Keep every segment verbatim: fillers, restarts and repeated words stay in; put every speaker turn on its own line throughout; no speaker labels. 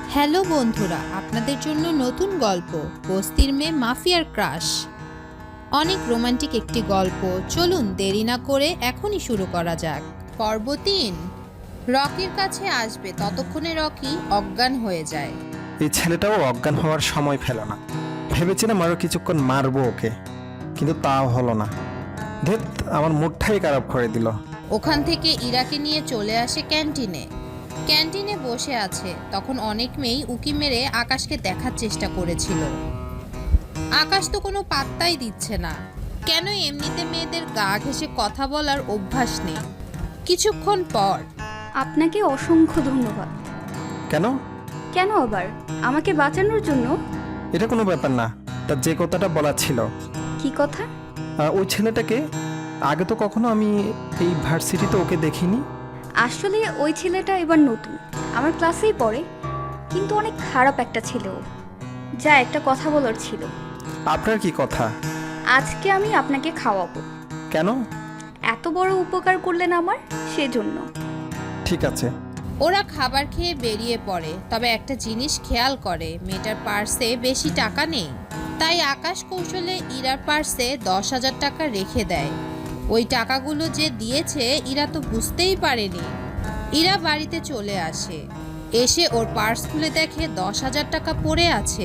Hello বন্ধুরা, আপনাদের জন্য নতুন গল্প বস্তির মেয়ে মাফিয়ার ক্রাশ। অনেক রোমান্টিক একটি গল্প। চলুন দেরি না করে এখনই শুরু করা যাক। পর্ব তিন। রকির কাছে আসবে ততক্ষণে রকি অজ্ঞান হয়ে যায়।
এই ছেলেটাও অজ্ঞান হওয়ার সময় ফেল না। ভেবেছিলাম আরো কিছুক্ষণ মারবো ওকে, কিন্তু তাও হলো না। ধেত, আমার মুডটাই খারাপ করে দিল।
ওখান থেকে ইরাকে নিয়ে চলে আসে ক্যান্টিনে। ক্যান্টিনে বসে আছে তখন অনেক মেয়েই উকি মেরে আকাশকে দেখার চেষ্টা করেছিল। আকাশ তো কোনো পাত্তাই দিচ্ছে না। কেন এমনিতে মেয়েদের গা ঘেঁষে কথা বলার অভ্যাস নেই। কিছুক্ষণ পর,
আপনাকে অসংখ্য ধন্যবাদ।
কেন?
কেন আবার? আমাকে বাঁচানোর জন্য।
এটা কোনো ব্যাপার না। তার যে কথাটা বলার ছিল।
কি কথা?
আহ, ওই ছেলেটাকে আগে তো কখনো আমি এই ভার্সিটিতে ওকে দেখিনি।
আসলে ওই ছেলেটা এবার নতুন, আমার ক্লাসেই পড়ে, কিন্তু অনেক খারাপ একটা ছেলে ও। যা একটা কথা বলার ছিল।
আপনার কি কথা?
আজকে আমি আপনাকে খাওয়াবো।
কেন?
এত বড় উপকার করলেন আমার, সেজন্য।
ঠিক আছে।
ওরা খাবার খেয়ে বেরিয়ে পড়ে। তবে একটা জিনিস খেয়াল করে, মেয়েটার পার্সে বেশি টাকা নেই। তাই আকাশ কৌশলে ইরার পার্সে দশ হাজার টাকা রেখে দেয়। ওই টাকাগুলো যে দিয়েছে ইরা তো বুঝতেই পারেনি। ইরা বাড়িতে চলে আসে। এসে ওর পার্স খুলে দেখে দশ হাজার টাকা পড়ে আছে।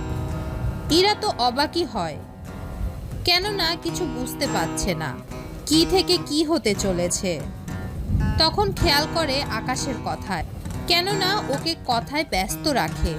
ইরা তো অবাকই হয়, কেননা কিছু বুঝতে পারছে না কি থেকে কি হতে চলেছে। তখন খেয়াল করে আকাশের কথায়, কেননা ওকে কথায় ব্যস্ত রাখে।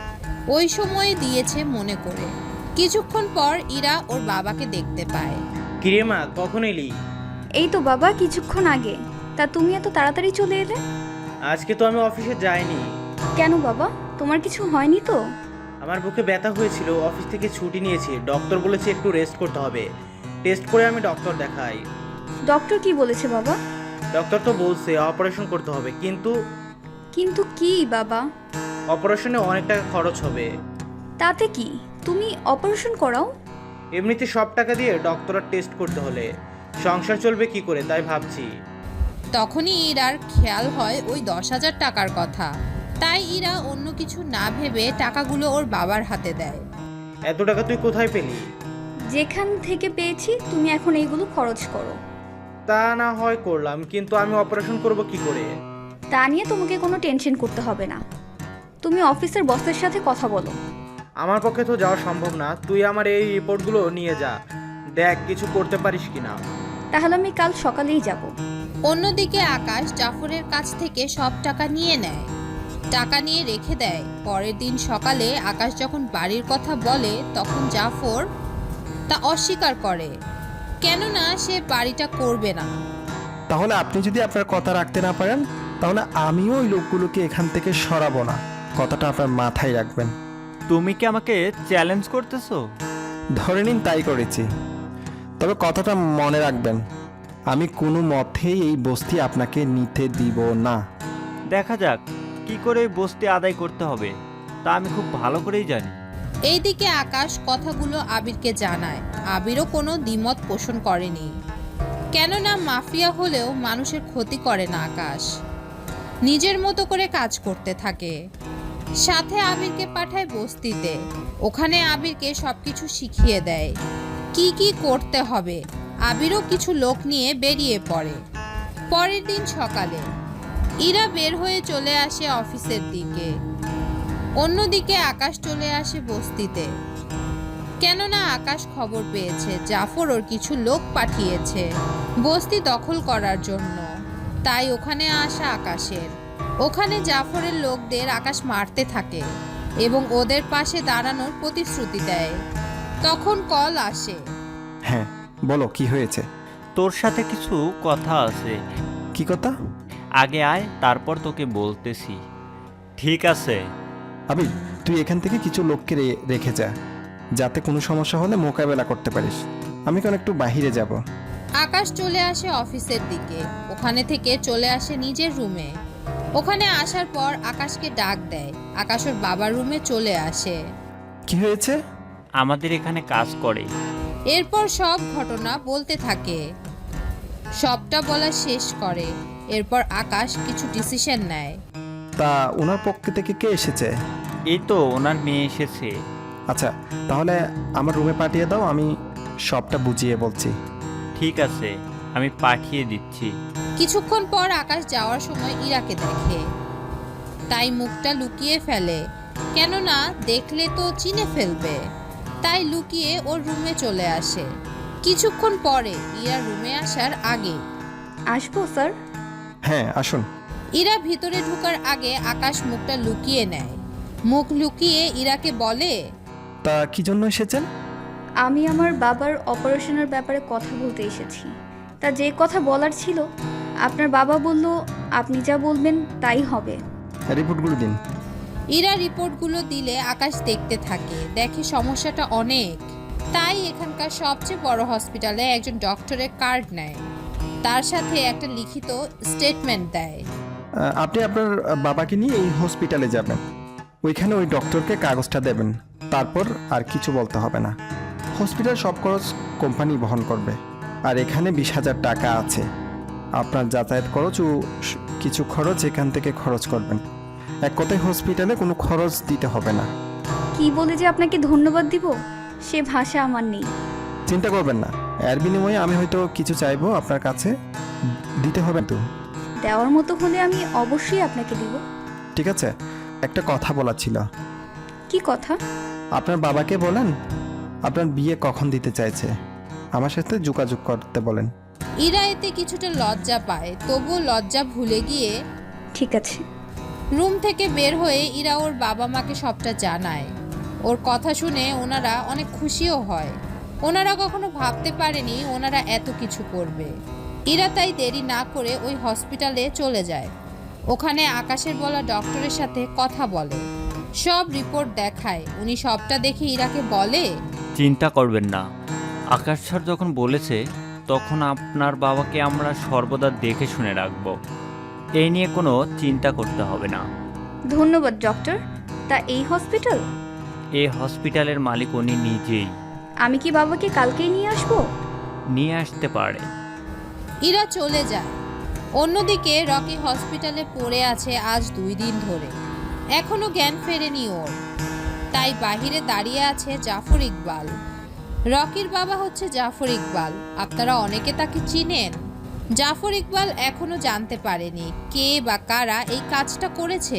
ওই সময়ে দিয়েছে মনে করে। কিছুক্ষণ পর ইরা ওর বাবাকে দেখতে পায়।
কিরে মা, কখন এলি?
এই তো বাবা, কিছুক্ষণ আগে। তা তুমি এত তাড়াতাড়ি চলে এলে?
আজকে তো আমি অফিসে যাইনি।
কেন বাবা, তোমার কিছু হয়নি তো?
আমার বুকে ব্যথা হয়েছিল, অফিস থেকে ছুটি নিয়েছি। ডক্টর বলেছে একটু রেস্ট করতে হবে। টেস্ট করে আমি ডক্টর দেখাই।
ডক্টর কি বলেছে বাবা?
ডক্টর তো বলছে অপারেশন করতে হবে, কিন্তু
কিন্তু কি বাবা?
অপারেশনে অনেক টাকা খরচ হবে।
তাতে কি, তুমি অপারেশন করাও।
এমনিতে সব টাকা দিয়ে ডক্টরের টেস্ট করতে হলে সংসার চলবে কি করে, তাই ভাবছি।
তখনই ইরার খেয়াল হয় ওই দশ হাজার টাকার কথা। তাই ইরা অন্য কিছু না ভেবে টাকাগুলো ওর বাবার হাতে দেয়।
এত টাকা তুই কোথায় পেলি?
যেখান থেকে পেয়েছি, তুমি এখন এইগুলো খরচ করো।
তা না হয় করলাম, কিন্তু আমি অপারেশন করব কি করে?
তা নিয়ে তোমাকে কোনো টেনশন করতে হবে না। তুমি অফিসের বসের সাথে কথা বলো।
আমার পক্ষে তো যাওয়া সম্ভব না। তুই আমার এই রিপোর্টগুলো নিয়ে যা, দেখ কিছু করতে পারিস কিনা।
তাহলে আমি কাল সকালেই যাব।
অন্যদিকে আকাশ জাফরের কাছ থেকে সব টাকা নিয়ে নেয়। টাকা নিয়ে রেখে দেয়। পরের দিন সকালে আকাশ যখন বাড়ির কথা বলে, তখন জাফর তা অস্বীকার করে, কেননা সে বাড়িটা করবে না।
তাহলে আপনি যদি আপনার কথা রাখতে না পারেন, তাহলে আমিও ওই লোকগুলোকে এখান থেকে সরাবো না। কথাটা আপনার মাথায় রাখবেন।
তুমি কি আমাকে চ্যালেঞ্জ করতেছো?
ধরে নিন তাই করেছি। তবে কথাটা মনে রাখবেন, আমি কোনো মতেই এই বস্তি আপনাকে নিতে দিব না।
দেখা যাক কি করে এই বস্তি আদায় করতে হবে, তা আমি খুব ভালো করেই জানি।
এইদিকে আকাশ কথাগুলো আবিরকে জানায়। আবিরও কোনো দ্বিমত পোষণ করেনি, কেননা মাফিয়া হলেও মানুষের ক্ষতি করে না আকাশ। নিজের মতো করে কাজ করতে থাকে। সাথে আবিরকে পাঠায় বস্তিতে। ওখানে আবিরকে সবকিছু শিখিয়ে দেয় কি কি করতে হবে। আবিরও কিছু লোক নিয়ে বেরিয়ে পড়ে। পরের দিন সকালে ইরা বের হয়ে চলে আসে অফিসের দিকে। অন্যদিকে আকাশ চলে আসে বস্তিতে, কেননা আকাশ খবর পেয়েছে জাফর ওর কিছু লোক পাঠিয়েছে বস্তি দখল করার জন্য। তাই ওখানে আসা আকাশের। ওখানে জাফরের লোকদের আকাশ মারতে থাকে এবং ওদের পাশে দাঁড়ানোর প্রতিশ্রুতি দেয়। তখন কল আসে।
হ্যাঁ বলো, কি হয়েছে?
তোর সাথে কিছু কথা আছে।
কি কথা?
আগে আয়, তারপর তোকে বলতেছি। ঠিক আছে?
আবি, তুই এখান থেকে কিছু লোককে রে- রেখে যা, যাতে কোনো সমস্যা হলে মোকাবেলা করতে পারিস। আমি কোন একটু বাহিরে যাব।
আকাশ চলে আসে অফিসের দিকে। ওখানে থেকে চলে আসে নিজের রুমে। ওখানে আসার পর আকাশকে ডাক দেয়। আকাশ ওর বাবার রুমে চলে আসে।
কি হয়েছে?
আমাদের এখানে কাজ করে।
এরপর সব ঘটনা বলতে থাকে। সবটা বলা শেষ করে। এরপর আকাশ কিছু ডিসিশন নেয়।
তা ওনার পক্ষ থেকে কে এসেছে?
এই তো ওনার মেয়ে এসেছে।
আচ্ছা, তাহলে আমার রুমে পাঠিয়ে দাও, আমি সবটা বুঝিয়ে বলছি।
ঠিক আছে, আমি পাঠিয়ে দিচ্ছি।
কিছুক্ষণ পর আকাশ যাওয়ার সময় ইরাকে দেখে, তাই মুখটা লুকিয়ে ফেলে, কেননা দেখলে তো চিনে ফেলবে। তাই লুকিয়ে ওর রুমে চলে আসে। কিছুক্ষণ পরে ইরা রুমে আসার আগে,
আসবো স্যার?
হ্যাঁ, আসুন।
ইরা ভিতরে ঢোকার আগে আকাশ মুখটা লুকিয়ে নেয়। মুখ লুকিয়ে ইরাকে বলে,
তা কি জন্য এসেছেন?
আমি আমার বাবার অপারেশনের ব্যাপারে কথা বলতে এসেছি। তা যে কথা বলার ছিল, আপনার বাবা বলল আপনি যা বলবেন তাই হবে।
রিপোর্টগুলো দিন।
ইরা রিপোর্টগুলো দিলে আকাশ দেখতে থাকে, দেখে সমস্যাটা অনেক। তাই এখানকার সবচেয়ে বড় হসপিটালে একজন ডক্টরের কার্ড নেয়, তার সাথে একটা লিখিত স্টেটমেন্ট দেয়।
আহ, আপনি আপনার বাবাকে নিয়ে এই হসপিটালে যাবেন, ওইখানে ওই ডক্টরকে কাগজটা দেবেন, তারপর আর কিছু বলতে হবে না। হসপিটাল সব খরচ কোম্পানি বহন করবে, আর এখানে বিশ হাজার টাকা আছে। আপনার যাতায়াত খরচ ও স- কিছু খরচ এখান থেকে খরচ করবেন। এক কথায় হসপিটালে কোনো খরচ দিতে হবে না।
কি বলে যে আপনাকে ধন্যবাদ দিব সে ভাষা আমার নেই।
চিন্তা করবেন না, এর বিনিময়ে আমি হয়তো কিছু চাইবো আপনার কাছে, দিতে হবে তো।
দেওয়ার মতো হলে আমি অবশ্যই আপনাকে দিব।
ঠিক আছে, একটা কথা বলার ছিল।
কি কথা?
আপনার বাবাকে বলেন আপনার বিয়ে কখন দিতে চাইছে, আমার সাথে যোগাযোগ করতে বলেন।
ইরা এতে কিছুটা লজ্জা পায়, তবুও লজ্জা ভুলে গিয়ে
ঠিক আছে।
রুম থেকে বের হয়ে ইরা ওর বাবা মাকে সবটা জানায়। ওর কথা শুনে ওনারা অনেক খুশিও হয়। ওনারা কখনো ভাবতে পারেনি ওনারা এত কিছু করবে। ইরা তাই দেরি না করে ওই হসপিটালে চলে যায়। ওখানে আকাশের বলা ডক্টরের সাথে কথা বলে, সব রিপোর্ট দেখায়। উনি সবটা দেখে ইরাকে বলে,
চিন্তা করবেন না, আকাশ স্যার যখন বলেছে তখন আপনার বাবাকে আমরা সর্বদা দেখে শুনে রাখব। এই নিয়ে কোনো চিন্তা করতে হবে না।
ধন্যবাদ ডক্টর। তা এই হসপিটাল?
এই হসপিটালের মালিক উনি নিজেই।
আমি কি বাবাকে কালকেই নিয়ে আসবো?
নিয়ে আসতে পারে।
ইরা চলে যায়। অন্যদিকে রকি হসপিটালে পড়ে আছে আজ দুই দিন ধরে, এখনো জ্ঞান ফেরেনি ওর। তাই বাহিরে দাঁড়িয়ে আছে জাফর ইকবাল। রকির বাবা হচ্ছে জাফর ইকবাল, আপনারা অনেকে তাকে চিনেন। জাফর ইকবাল এখনো জানতে পারেনি কে বা কারা এই কাজটা করেছে,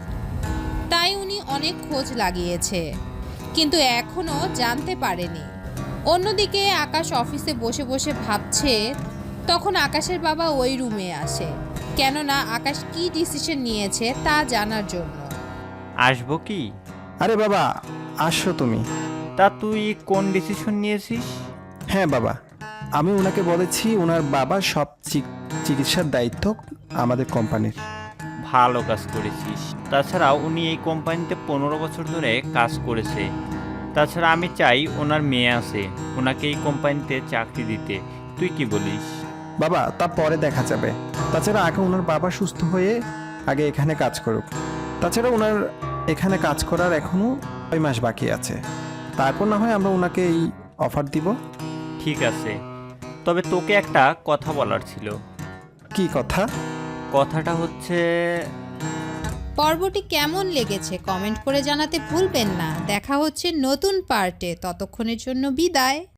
তাই উনি অনেক খোঁজ লাগিয়েছে, কিন্তু এখনো জানতে পারেনি। অন্যদিকে আকাশ অফিসে বসে বসে ভাবছে, তখন আকাশের বাবা ওই রুমে আসে, কেননা আকাশ কি ডিসিশন নিয়েছে তা জানার জন্য।
আসবো কি?
আরে বাবা, আসো তুমি।
তা তুই কোন ডিসিশন নিয়েছিস?
হ্যাঁ বাবা, আমি ওনাকে বলেছি ওনার বাবা সব চিক- চিকিৎসার দায়িত্ব আমাদের কোম্পানির।
ভালো কাজ করেছিস। তাছাড়া উনি এই কোম্পানিতে পনেরো বছর ধরে কাজ করেছে। তাছাড়া আমি চাই ওনার মেয়ে আছে, ওনাকে এই কোম্পানিতে চাকরি দিতে। তুই কি বলিস?
বাবা, তা পরে দেখা যাবে। তাছাড়া আগে ওনার বাবা সুস্থ হয়ে আগে এখানে কাজ করুক। তাছাড়া ওনার এখানে কাজ করার এখনো ছয় মাস বাকি আছে, তারপর না হয় আমরা ওনাকে এই অফার দিব।
ঠিক আছে, তবে তোকে একটা কথা বলার ছিল।
কি কথা?
কথাটা হচ্ছে,
পর্বটি কেমন লেগেছে কমেন্ট করে জানাতে ভুলবেন না। দেখা হচ্ছে নতুন পার্টে, ততক্ষণের জন্য বিদায়।